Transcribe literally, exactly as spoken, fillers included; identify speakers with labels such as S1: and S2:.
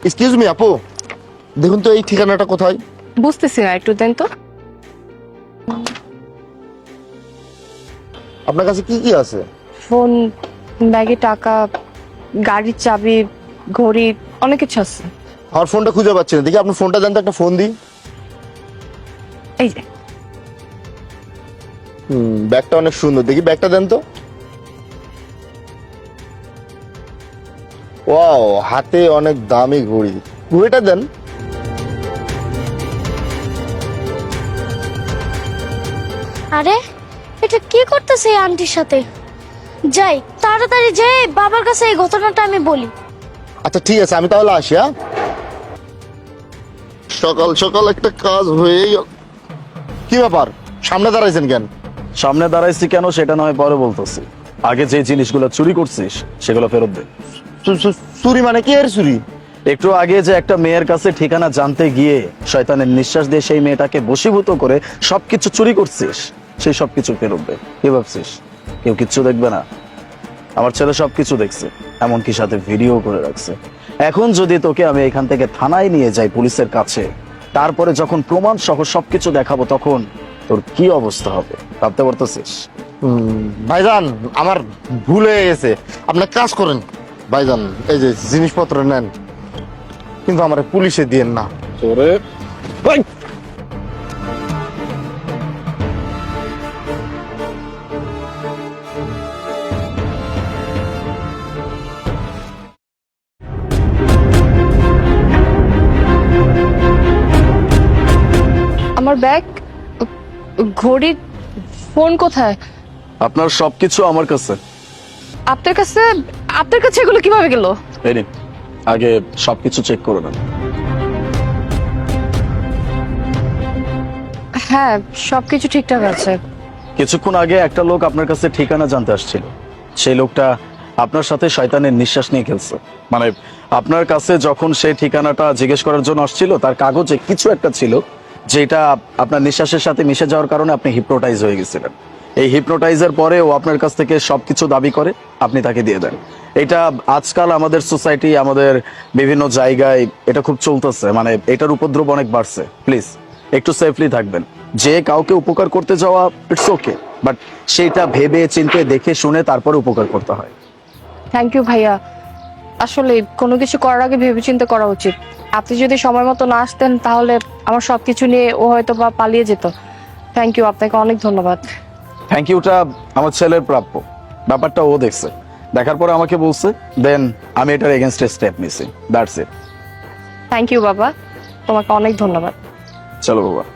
S1: Excuse me আপু, দেখুন তো এই ঠিকানাটা কোথায়?
S2: বুঝতেছি না, একটু দেন তো।
S1: আপনার কাছে কি কি আছে?
S2: ফোন, ব্যাগে টাকা, গাড়ির চাবি, ঘড়ি, অনেক কিছু আছে।
S1: আমার ফোনটা খুঁজে পাচ্ছি না, দেখি আপনার ফোনটা দেন তো, একটা ফোন দিই।
S2: এই যে।
S1: হুম, ব্যাগটা অনেক সুন্দর, দেখি ব্যাগটা দেন তো। ওয়াও, হাতে অনেক দামি ঘড়ি, ঘড়িটা দেন।
S3: আরে এটা কি করতেছে এই আন্টির সাথে? যাই তাড়াতাড়ি যাই বাবার কাছে এই ঘটনাটা আমি বলি।
S1: আচ্ছা ঠিক আছে, আমি তাহলে আসি। হ্যাঁ, সকাল সকাল একটা কাজ হয়ে গেল। কি ব্যাপার, সামনে দাঁড়াইছেন কেন?
S4: সামনে দাঁড়াইছি কেন সেটা নয় পরে বলতেছি, আগে যে জিনিসগুলো চুরি করছিস সেগুলো ফেরত দে।
S1: চু- চু- চুরি মানে কি এর চুরি?
S4: একটু আগে যে একটা মেয়ের কাছে ঠিকানা জানতে গিয়ে শয়তানের নিঃশ্বাস দিয়ে সেই মেয়েটাকে বশীভূত করে সবকিছু চুরি করছিস, সেই সবকিছু ফেরত দে। কি ভাবছিস কেউ কিচ্ছু দেখবে না? আমার ছেলে সবকিছু দেখছে, এমনকি সাথে ভিডিও করে রাখছে। এখন যদি তোকে আমি এখান থেকে থানায় নিয়ে যাই পুলিশের কাছে, তারপরে যখন প্রমাণ সহ সবকিছু দেখাবো তখন তোর কি অবস্থা হবে ভাবতে পারতেছিস?
S1: হুম, ভাইজান আমার ভুল হয়ে গেছে, আপনার কাজ করেন ভাইজান, এই যে জিনিসপত্র নেন, কিন্তু আমার পুলিশে দিয়েন না।
S4: তোরে
S2: আমার ব্যাগ, ঘড়ি, ফোন কোথায়?
S4: আপনার সবকিছু আমার কাছে।
S2: আপনার কাছে? আপনার কাছে এগুলো কিভাবে গেল?
S4: এই নিন, আগে সবকিছু চেক করে নেন।
S2: হ্যাঁ, সবকিছু ঠিকঠাক আছে।
S4: কিছুক্ষণ আগে একটা লোক আপনার কাছে ঠিকানা জানতে আসছিল, সেই লোকটা আপনার সাথে শয়তানের নিঃশ্বাস নিয়ে খেলছে। মানে আপনার কাছে যখন সেই ঠিকানাটা জিজ্ঞেস করার জন্য আসছিল, তার কাগজে কিছু একটা ছিল যেটা আপনার নিঃশ্বাসের সাথে মিশে যাওয়ার কারণে আপনি হিপনোটাইজ হয়ে গেছিলেন। এই হিপনোটাইজের পরে ও আপনার কাছ থেকে সবকিছু দাবি করে, আপনি তাকে দিয়ে দেন। এটা আজকাল আমাদের সোসাইটি, আমাদের বিভিন্ন জায়গায় এটা খুব চলতেছে, মানে এটার উপদ্রব অনেক বাড়ছে। প্লিজ একটু সেফলি থাকবেন। যে কাউকে উপকার করতে যাওয়া ইটস ওকে, বাট সেটা ভেবে চিন্তে দেখে শুনে তারপরে উপকার করতে হয়।
S2: থ্যাংক ইউ ভাইয়া, আসলে কোনো কিছু করার আগে ভেবেচিন্তে করা উচিত। আপনি যদি সময় মতো না আসতেন তাহলে আমার সবকিছু নিয়ে ও হয়তো বা পালিয়ে যেত। থ্যাংক ইউ, আপনাকে অনেক ধন্যবাদ।
S4: থ্যাংক ইউটা আমার ছেলের প্রাপ্য, ব্যাপারটা ও দেখছে, দেখার পরে আমাকে বলছে, দেন আমি এটার এগেনস্টে স্টেপ নিছি। That's it.
S2: থ্যাংক ইউ বাবা, তোমাকে অনেক ধন্যবাদ।
S4: চলো বাবা।